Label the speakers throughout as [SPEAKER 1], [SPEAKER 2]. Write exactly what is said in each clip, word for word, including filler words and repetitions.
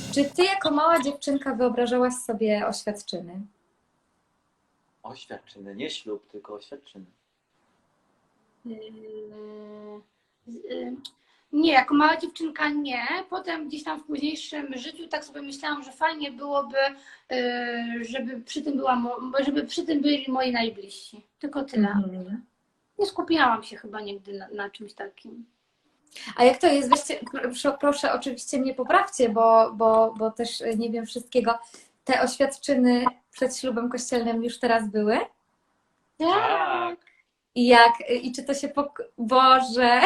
[SPEAKER 1] Czy ty jako mała dziewczynka wyobrażałaś sobie oświadczyny?
[SPEAKER 2] Oświadczyny, nie ślub, tylko oświadczyny.
[SPEAKER 3] Yy, yy, Nie, jako mała dziewczynka nie. Potem gdzieś tam w późniejszym życiu tak sobie myślałam, że fajnie byłoby, yy, żeby przy tym była, mo- żeby przy tym byli moi najbliżsi. Tylko tyle.
[SPEAKER 1] Mhm.
[SPEAKER 3] Nie skupiałam się chyba nigdy na, na czymś takim.
[SPEAKER 1] A jak to jest? Weźcie, proszę, proszę oczywiście mnie poprawcie, bo, bo, bo też nie wiem wszystkiego. Te oświadczyny przed ślubem kościelnym już teraz były?
[SPEAKER 2] Tak.
[SPEAKER 1] I jak, i czy to się pok... Boże!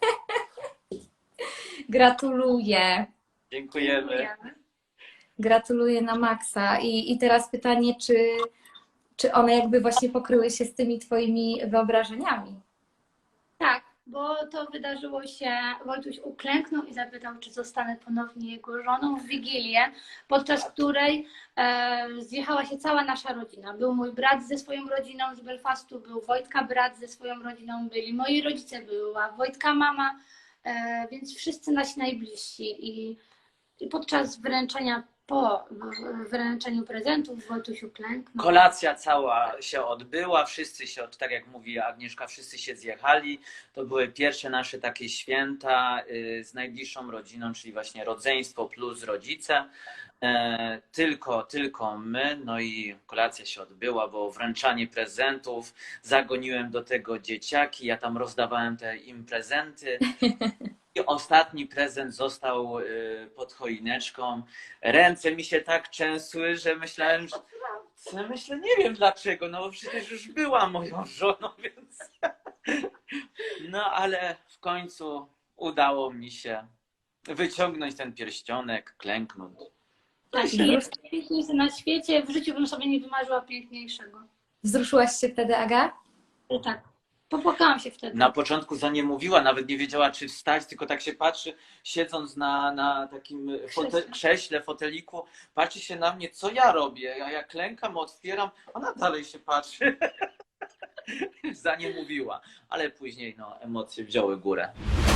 [SPEAKER 1] Gratuluję.
[SPEAKER 2] Dziękujemy.
[SPEAKER 1] Gratuluję na maksa. I, i teraz pytanie, czy, czy one jakby właśnie pokryły się z tymi twoimi wyobrażeniami?
[SPEAKER 3] Tak, bo to wydarzyło się, Wojtuś uklęknął i zapytał, czy zostanę ponownie jego żoną w Wigilię, podczas której e, zjechała się cała nasza rodzina. Był mój brat ze swoją rodziną z Belfastu, był Wojtka brat ze swoją rodziną, byli moi rodzice, była Wojtka mama, e, więc wszyscy nasi najbliżsi. I, i podczas wręczenia, po w- wręczeniu prezentów Wojtuś uklęknął.
[SPEAKER 2] Kolacja cała się odbyła, wszyscy się, tak jak mówi Agnieszka, wszyscy się zjechali. To były pierwsze nasze takie święta y, z najbliższą rodziną, czyli właśnie rodzeństwo plus rodzice. E, Tylko, tylko my, no i kolacja się odbyła, było wręczanie prezentów, zagoniłem do tego dzieciaki, ja tam rozdawałem te im prezenty. I ostatni prezent został y, pod choineczką. Ręce mi się tak trzęsły, że myślałem, że co myślę, nie wiem dlaczego, no bo przecież już była moją żoną, więc. No ale w końcu udało mi się wyciągnąć ten pierścionek, klęknąć.
[SPEAKER 3] Tak, i jest piękniejszy na świecie, w życiu bym sobie nie wymarzyła piękniejszego.
[SPEAKER 1] Wzruszyłaś się wtedy, Aga?
[SPEAKER 3] I tak, popłakałam się wtedy.
[SPEAKER 2] Na początku za nie mówiła, nawet nie wiedziała, czy wstać, tylko tak się patrzy, siedząc na, na takim fote,
[SPEAKER 3] Krześle.
[SPEAKER 2] krześle, foteliku, patrzy się na mnie, co ja robię. A ja klękam, otwieram, ona dalej się patrzy. Za nie mówiła, ale później no, emocje wzięły górę.